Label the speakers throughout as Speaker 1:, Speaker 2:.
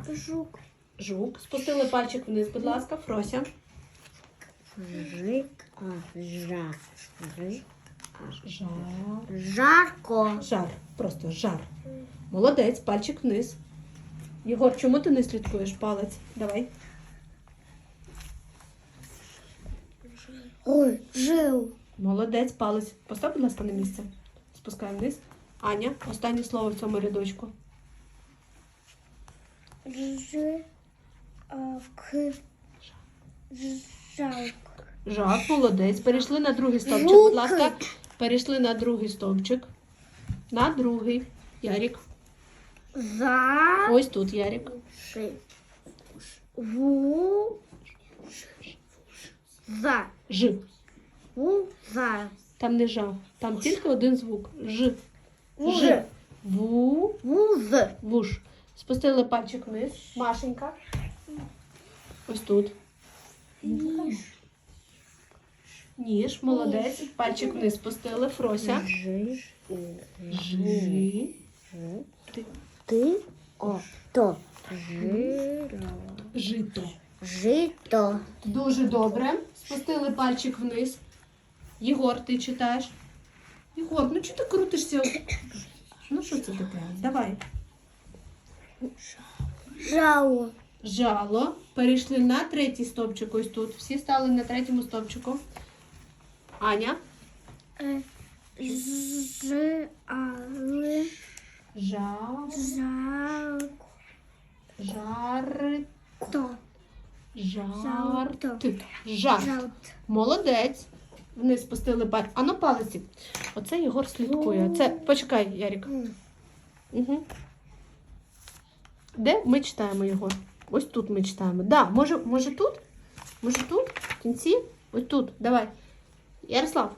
Speaker 1: Жук.
Speaker 2: Жук. Спустили пальчик вниз, будь ласка. Фрося.
Speaker 1: Жарко.
Speaker 2: Жар. Просто жар. Молодець. Пальчик вниз. Єгор, чому ти не слідкуєш? Палець. Давай.
Speaker 1: Ой, жив.
Speaker 2: Молодець. Палець. Постав, будь ласка, на місце. Спускаємо вниз. Аня, останнє слово в цьому рядочку.
Speaker 1: Жалко.
Speaker 2: Жак, молодець. Перейшли на другий стовпчик,
Speaker 1: Жуки.
Speaker 2: будь ласка. Перейшли на другий стовпчик. На другий. Ярік. Ось тут, Ярік. Ж. Там не жа. Там тільки один звук. Ж. Ж. Ву. Вуш. Спустили пальчик вниз. Машенька. Ось тут. Ніж. Молодець. Пальчик вниз спустили. Фрося. Жи. Жито.
Speaker 1: Жито.
Speaker 2: Дуже добре. Спустили пальчик вниз. Єгор, ти читаєш? Єгор, ну чого ти крутишся? Ну що це таке? Давай.
Speaker 1: Жало.
Speaker 2: Жало. Перейшли на третій стовпчик ось тут. Всі стали на третьому стовпчику. Аня. Жарт. Молодець. Вниз спустили пальчик. А ну палиці. Оце Єгор слідкує. Це, почекай, Ярік. Угу. Де ми читаємо його? Ось тут ми читаємо. Да, може тут? Може тут? В кінці? Ось тут. Давай. Ярослав.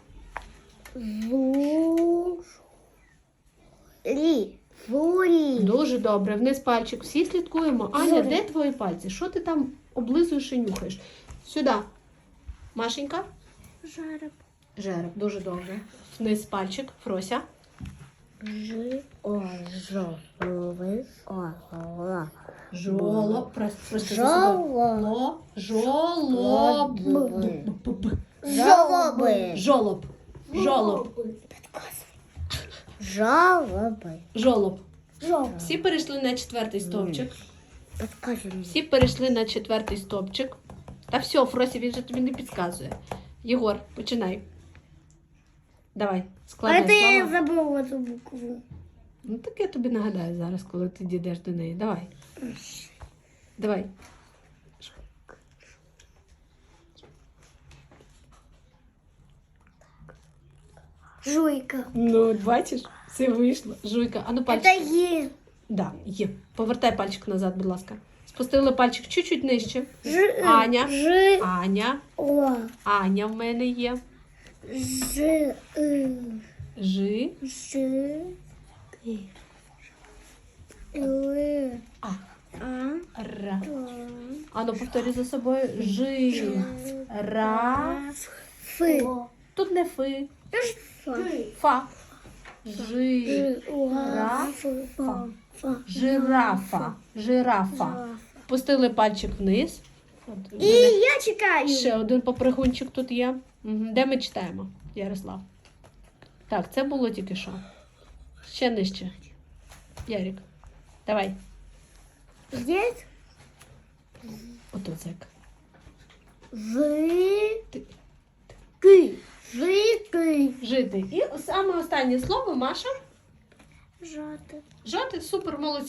Speaker 2: Дуже добре. Вниз пальчик. Всі слідкуємо. Аня, де твої пальці? Що ти там облизуєш і нюхаєш? Сюди. Машенька. Жереб. Дуже добре. Вниз пальчик. Фрося. Жолоб. Жолоб. Всі перейшли на четвертий стовпчик. Всі перейшли на четвертий стовпчик. Та все, Фросі, він же тобі не підказує. Єгор, починай. Давай, складай слова.
Speaker 1: Я забула цю букву.
Speaker 2: Ну так я тобі нагадаю зараз, коли ти дійдеш до неї. Давай. Давай.
Speaker 1: Жуйка.
Speaker 2: Ну, бачиш, все вийшло. Жуйка. А ну пальчик.
Speaker 1: Это Е.
Speaker 2: Да, є. Повертай пальчик назад, будь ласка. Спустили пальчик чуть-чуть нижче. Аня. Аня. Аня в мене є. Жи. Ра. А ну повторюй за собою. Жи. Ра. Тут не фи. Фа. Жи. Рафа. Жирафа. Жирафа. Пустили пальчик вниз. От,
Speaker 1: І я чекаю.
Speaker 2: ще один попригунчик тут є. Де ми читаємо, Ярослав? Так, це було тільки що. Ще нижче. Ярик, давай.
Speaker 1: Здесь
Speaker 2: Ото цек. Жити. І саме останнє слово, Маша.
Speaker 1: Жати.
Speaker 2: Жати, супер, молодці.